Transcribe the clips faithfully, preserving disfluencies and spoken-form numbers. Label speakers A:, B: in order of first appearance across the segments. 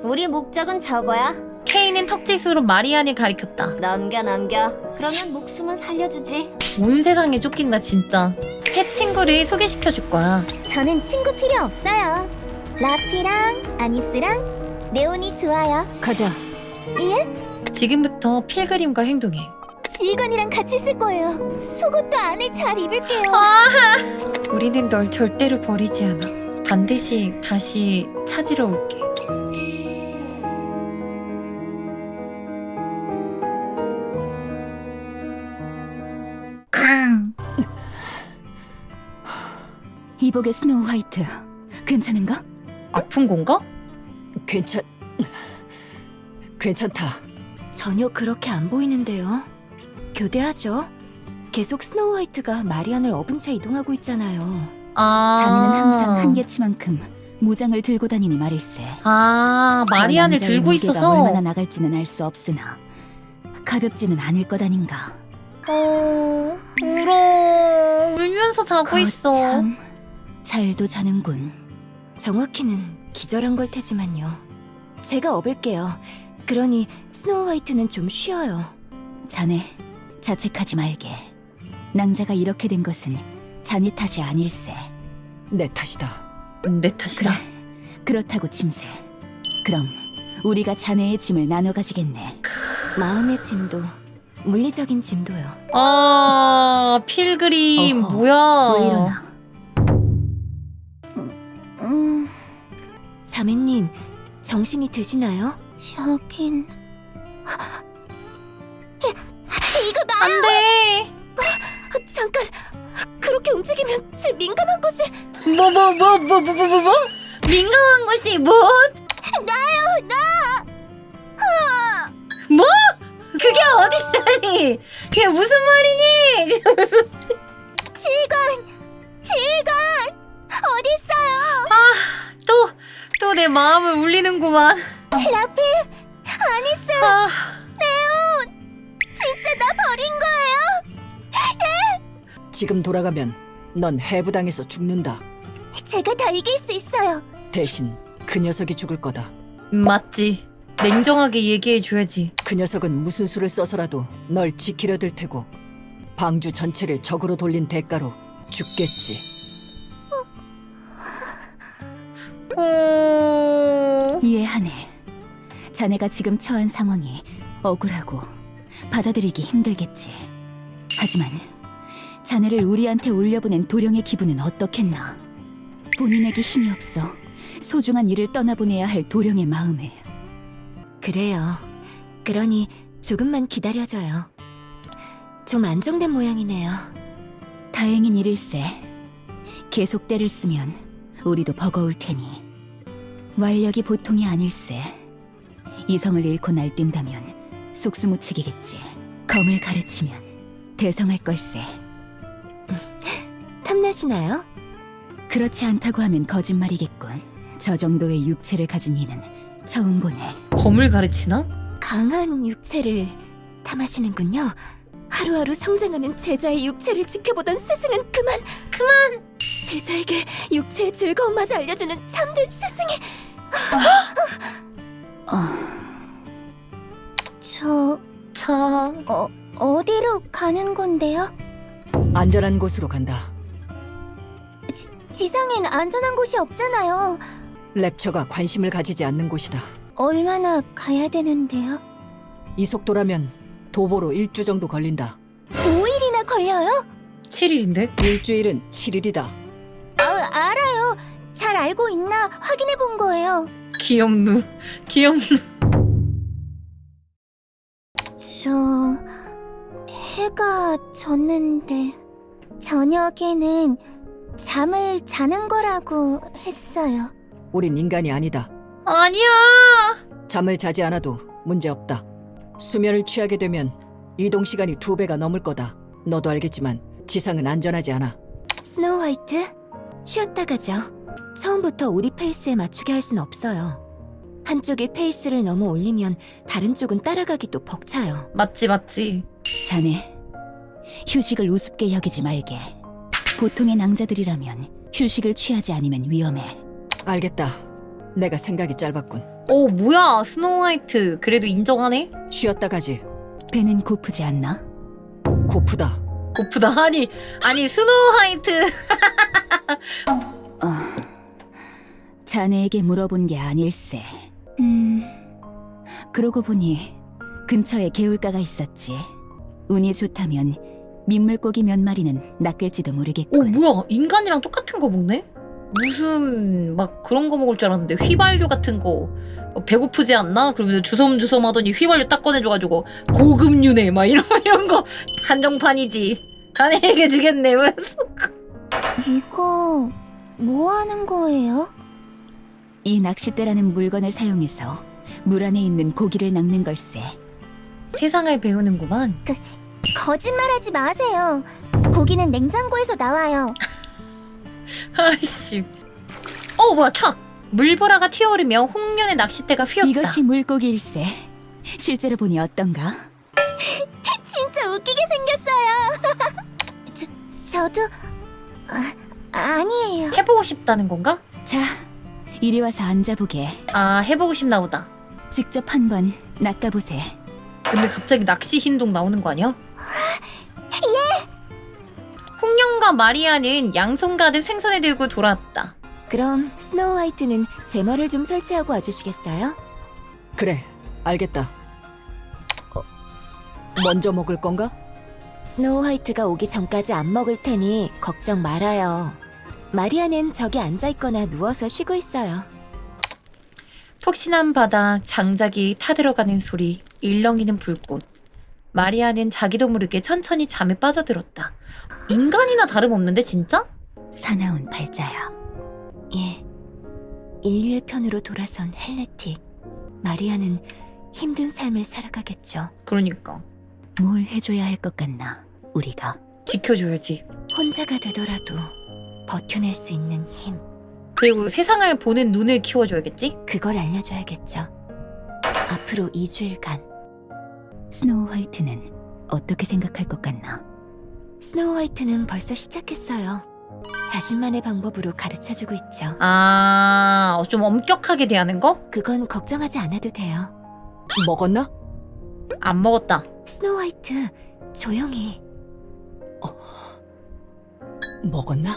A: 우리 목적은 저거야.
B: 케이는 턱짓으로 마리안을 가리켰다.
A: 넘겨 넘겨. 그러면 목숨은 살려주지.
B: 온 세상에 쫓긴다 진짜. 새 친구를 소개시켜 줄 거야.
C: 저는 친구 필요 없어요. 라피랑 아니스랑 네온이 좋아요.
A: 가자.
C: 예?
B: 지금부터 필그림과 행동해.
C: 지휘관이랑 같이 있을 거예요. 속옷도 안에 잘 입을게요.
B: 우리는 널 절대로 버리지 않아. 반드시 다시 찾으러 올게. 캉!
D: 이복의 스노우 화이트 괜찮은가?
B: 아픈 건가?
E: 괜찮... 괜찮다.
A: 전혀 그렇게 안 보이는데요. 교대하죠. 계속 스노우 화이트가 마리안을 업은 채 이동하고 있잖아요.
B: 아.
D: 자네는 항상 한계치만큼 무장을 들고 다니니 말일세.
B: 아,
D: 저
B: 마리안을
D: 남자의
B: 들고
D: 무게가
B: 있어서.
D: 얼마나 나갈지는 알 수 없으나 가볍지는 않을 것 아닌가.
B: 어, 울어. 울면서 자고 있어.
D: 거참 잘도 자는군.
A: 정확히는 기절한 걸 테지만요. 제가 업을게요. 그러니 스노우 화이트는 좀 쉬어요.
D: 자네 자책하지 말게. 낭자가 이렇게 된 것은 자네 탓이 아닐세.
E: 내 탓이다.
B: 음, 내 탓이다.
D: 그래, 그렇다고 침새. 그럼 우리가 자네의 짐을 나눠 가지겠네.
A: 마음의 짐도 물리적인 짐도요.
B: 아, 필그림
D: 어허,
B: 뭐야?
D: 왜 이러나?
C: 음,
A: 자매님, 정신이 드시나요?
C: 여긴... 이거 나...
B: 안 돼.
A: 아, 잠깐! 그렇게 움직이면 제 민감한 곳이...
B: 뭐 뭐 뭐 뭐 뭐 뭐 뭐? 뭐? 민감한 곳이 뭐?
C: 나요! 나!
B: 뭐? 그게 어디라니? 그게 무슨 말이니? 그게 무슨?
C: 지휘관! 지휘관! 어딨어요?
B: 또 또 내 마음을 울리는구만.
C: 라피! 아니스!
B: 아,
C: 진짜 나 버린 거예요?
E: 지금 돌아가면 넌 해부당해서 죽는다.
C: 제가 다 이길 수 있어요.
E: 대신 그 녀석이 죽을 거다.
B: 맞지. 냉정하게 얘기해 줘야지.
E: 그 녀석은 무슨 수를 써서라도 널 지키려 들 테고 방주 전체를 적으로 돌린 대가로 죽겠지.
B: 어...
D: 이해하네. 자네가 지금 처한 상황이 억울하고 받아들이기 힘들겠지. 하지만 자네를 우리한테 올려보낸 도령의 기분은 어떻겠나. 본인에게 힘이 없어 소중한 일을 떠나보내야 할 도령의 마음에.
A: 그래요. 그러니 조금만 기다려줘요. 좀 안정된 모양이네요.
D: 다행인 일일세. 계속 때를 쓰면 우리도 버거울 테니. 완력이 보통이 아닐세. 이성을 잃고 날뛴다면 속수무책이겠지. 검을 가르치면 대성할 걸세.
A: 탐나시나요?
D: 그렇지 않다고 하면 거짓말이겠군. 저 정도의 육체를 가진 이는 처음 보네.
B: 검을 가르치나?
A: 강한 육체를 탐하시는군요. 하루하루 성장하는 제자의 육체를 지켜보던 스승은 그만 그만 제자에게 육체의 즐거움마저 알려주는 참된 스승이.
D: 어,
C: 저...
B: 참.
C: 어, 어디로 가는 건데요?
E: 안전한 곳으로 간다.
C: 지상엔 안전한 곳이 없잖아요.
E: 랩처가 관심을 가지지 않는 곳이다.
C: 얼마나 가야 되는데요?
E: 이 속도라면 도보로 일주 정도 걸린다.
C: 오 일이나 걸려요?
B: 칠 일인데?
E: 일주일은 칠 일이다.
C: 아, 알아요. 잘 알고 있나 확인해 본 거예요.
B: 귀엽누. 귀엽누.
C: 저... 해가 졌는데 저녁에는 잠을 자는 거라고 했어요.
E: 우린 인간이 아니다.
B: 아니야.
E: 잠을 자지 않아도 문제없다. 수면을 취하게 되면 이동 시간이 두 배가 넘을 거다. 너도 알겠지만 지상은 안전하지 않아.
A: 스노우 화이트, 쉬었다 가죠. 처음부터 우리 페이스에 맞추게 할 순 없어요. 한쪽이 페이스를 너무 올리면 다른 쪽은 따라가기도 벅차요.
B: 맞지 맞지.
D: 자네 휴식을 우습게 여기지 말게. 보통의 낭자들이라면 휴식을 취하지 않으면 위험해.
E: 알겠다. 내가 생각이 짧았군.
B: 오 뭐야 스노우 화이트 그래도 인정하네?
E: 쉬었다 가지.
D: 배는 고프지 않나?
E: 고프다.
B: 고프다 아니 아니 스노우 화이트
D: 어, 자네에게 물어본 게 아닐세. 음, 그러고 보니 근처에 개울가가 있었지. 운이 좋다면 민물고기 몇 마리는 낚일지도
B: 오
D: 모르겠군.
B: 뭐야 인간이랑 똑같은 거 먹네? 무슨 막 그런 거 먹을 줄 알았는데 휘발유 같은 거 어, 배고프지 않나? 그러면서 주섬주섬 하더니 휘발유 딱 꺼내줘가지고 고급유네 막 이런 이런 거 한정판이지 자네에게 주겠네 왜?
C: 이거 뭐 하는 거예요?
D: 이 낚싯대라는 물건을 사용해서 물 안에 있는 고기를 낚는 걸세.
B: 세상을 배우는구만.
C: 거짓말하지 마세요. 고기는 냉장고에서 나와요.
B: 아이씨. 어 뭐야 촥! 물보라가 튀어오르며 홍련의 낚싯대가 휘었다.
D: 이것이 물고기일세. 실제로 보니 어떤가?
C: 진짜 웃기게 생겼어요. 저, 저도 아, 아니에요.
B: 해보고 싶다는 건가?
D: 자, 이리 와서 앉아보게.
B: 아 해보고 싶나 보다.
D: 직접 한번 낚아보세.
B: 근데 갑자기 낚시 신동 나오는 거 아니야? 예! 홍련과 마리아는 양손 가득 생선을 들고 돌아왔다.
A: 그럼 스노우 화이트는 제머를 좀 설치하고 와주시겠어요?
E: 그래, 알겠다. 어, 먼저 먹을 건가?
A: 스노우 화이트가 오기 전까지 안 먹을 테니 걱정 말아요. 마리아는 저기 앉아있거나 누워서 쉬고 있어요.
B: 폭신한 바닥, 장작이 타들어가는 소리, 일렁이는 불꽃. 마리아는 자기도 모르게 천천히 잠에 빠져들었다. 인간이나 다름없는데 진짜?
D: 사나운 팔자야.
A: 예, 인류의 편으로 돌아선 헬레틱. 마리아는 힘든 삶을 살아가겠죠.
B: 그러니까
D: 뭘 해줘야 할 것 같나, 우리가.
B: 지켜줘야지.
A: 혼자가 되더라도 버텨낼 수 있는 힘,
B: 그리고 세상을 보는 눈을 키워줘야겠지?
A: 그걸 알려줘야겠죠. 앞으로 이 주일간
D: 스노우 화이트는 어떻게 생각할 것 같나?
A: 스노우 화이트는 벌써 시작했어요. 자신만의 방법으로 가르쳐주고 있죠.
B: 아, 어, 좀 엄격하게 대하는 거?
A: 그건 걱정하지 않아도 돼요.
E: 먹었나?
B: 안 먹었다.
A: 스노우 화이트, 조용히.
E: 먹었나?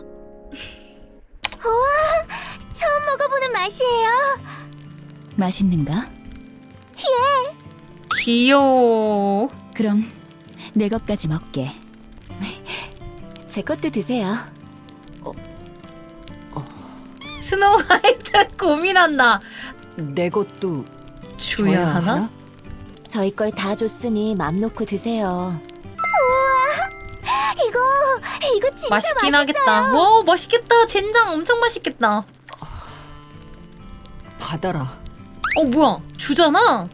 C: 처음 먹어보는 맛이에요.
D: 맛있는가?
B: 귀여워.
D: 그럼 내 것까지 먹게.
A: 제 것도 드세요.
B: 스노우 화이트 고민한다.
E: 내 것도
B: 줘야 하나?
A: 저희 걸 다 줬으니 맘 놓고 드세요.
C: 이거 이거 진짜
B: 맛있긴
C: 맛있어요.
B: 하겠다. 와, 맛있겠다. 젠장 엄청 맛있겠다.
E: 받아라.
B: 어, 뭐야? 주잖아?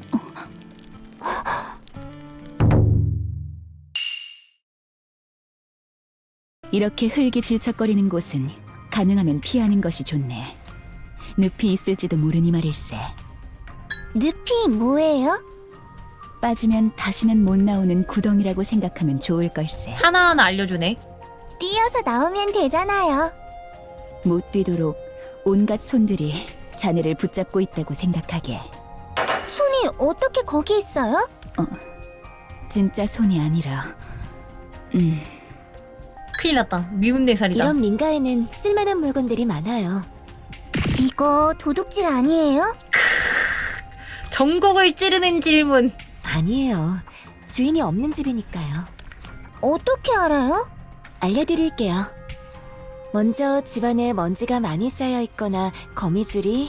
D: 이렇게 흙이 질척거리는 곳은 가능하면 피하는 것이 좋네. 늪이 있을지도 모르니 말일세.
C: 늪이 뭐예요?
D: 빠지면 다시는 못 나오는 구덩이라고 생각하면 좋을 걸세.
B: 하나하나 알려주네.
C: 뛰어서 나오면 되잖아요.
D: 못 뛰도록 온갖 손들이 자네를 붙잡고 있다고 생각하게.
C: 손이 어떻게 거기 있어요?
D: 진짜 손이 아니라 음,
B: 큰일 났다. 미운 네 살이다.
A: 이런 민가에는 쓸만한 물건들이 많아요.
C: 이거 도둑질 아니에요?
B: 전곡을 찌르는 질문.
A: 아니에요. 주인이 없는 집이니까요.
C: 어떻게 알아요?
A: 알려드릴게요. 먼저 집안에 먼지가 많이 쌓여 있거나 거미줄이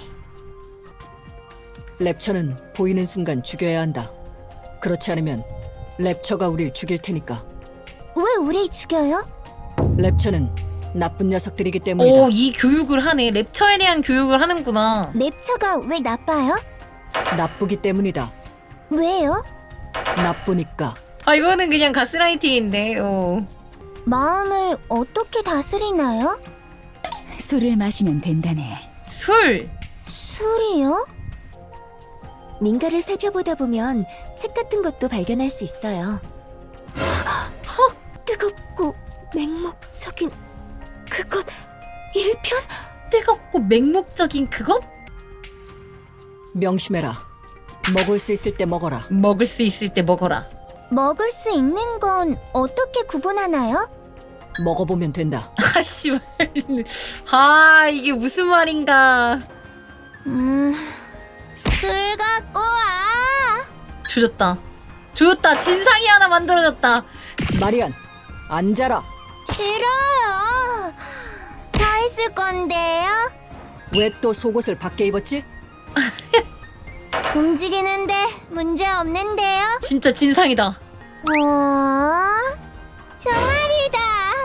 E: 랩처는 보이는 순간 죽여야 한다. 그렇지 않으면 랩처가 우릴 죽일 테니까.
C: 왜 우릴 죽여요?
E: 랩처는 나쁜 녀석들이기 때문이다.
B: 오, 이 교육을 하네. 랩처에 대한 교육을 하는구나.
C: 랩처가 왜 나빠요?
E: 나쁘기 때문이다.
C: 왜요?
E: 나쁘니까.
B: 아, 이거는 그냥 가스라이팅인데. 어.
C: 마음을 어떻게 다스리나요?
D: 술을 마시면 된다네.
B: 술.
C: 술이요?
A: 민가를 살펴보다 보면 책 같은 것도 발견할 수 있어요. 헉! 뜨겁고 맹목적인 그것 일편?
B: 뜨겁고 맹목적인 그것?
E: 명심해라. 먹을 수 있을 때 먹어라.
B: 먹을 수 있을 때 먹어라.
C: 먹을 수 있는 건 어떻게 구분하나요?
E: 먹어보면 된다.
B: 아 씨발. 아 이게 무슨 말인가.
C: 음, 술 갖고 와.
B: 조졌다. 조졌다. 진상이 하나 만들어졌다.
E: 마리안, 앉아라.
C: 싫어요. 서 있을 건데요.
E: 왜 또 속옷을 밖에 입었지?
C: 움직이는데 문제 없는데요.
B: 진짜 진상이다.
C: 어, 종아리다.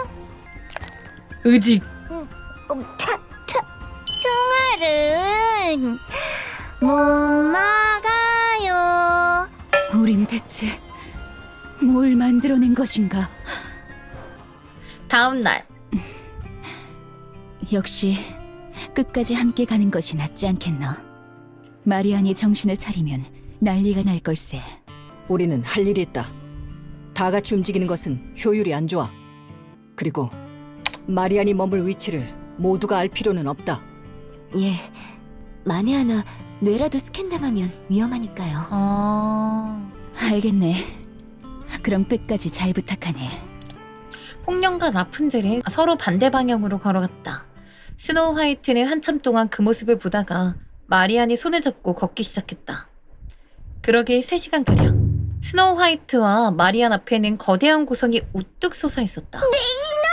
B: 의직.
C: 어, 타, 타. 총알은 못 막아요.
D: 우린 대체 뭘 만들어낸 것인가?
B: 다음 날.
D: 역시 끝까지 함께 가는 것이 낫지 않겠나? 마리안이 정신을 차리면 난리가 날 걸세.
E: 우리는 할 일이 있다. 다 같이 움직이는 것은 효율이 안 좋아. 그리고 마리안이 머물 위치를 모두가 알 필요는 없다.
A: 예, 만에 하나 뇌라도 스캔당하면 위험하니까요.
B: 아.
D: 알겠네. 그럼 끝까지 잘 부탁하네.
B: 홍련과 라푼젤은 서로 반대 방향으로 걸어갔다. 스노우 화이트는 한참 동안 그 모습을 보다가 마리안이 손을 잡고 걷기 시작했다. 그러길 세 시간가량. 스노우 화이트와 마리안 앞에는 거대한 고성이 우뚝 솟아 있었다.
C: 내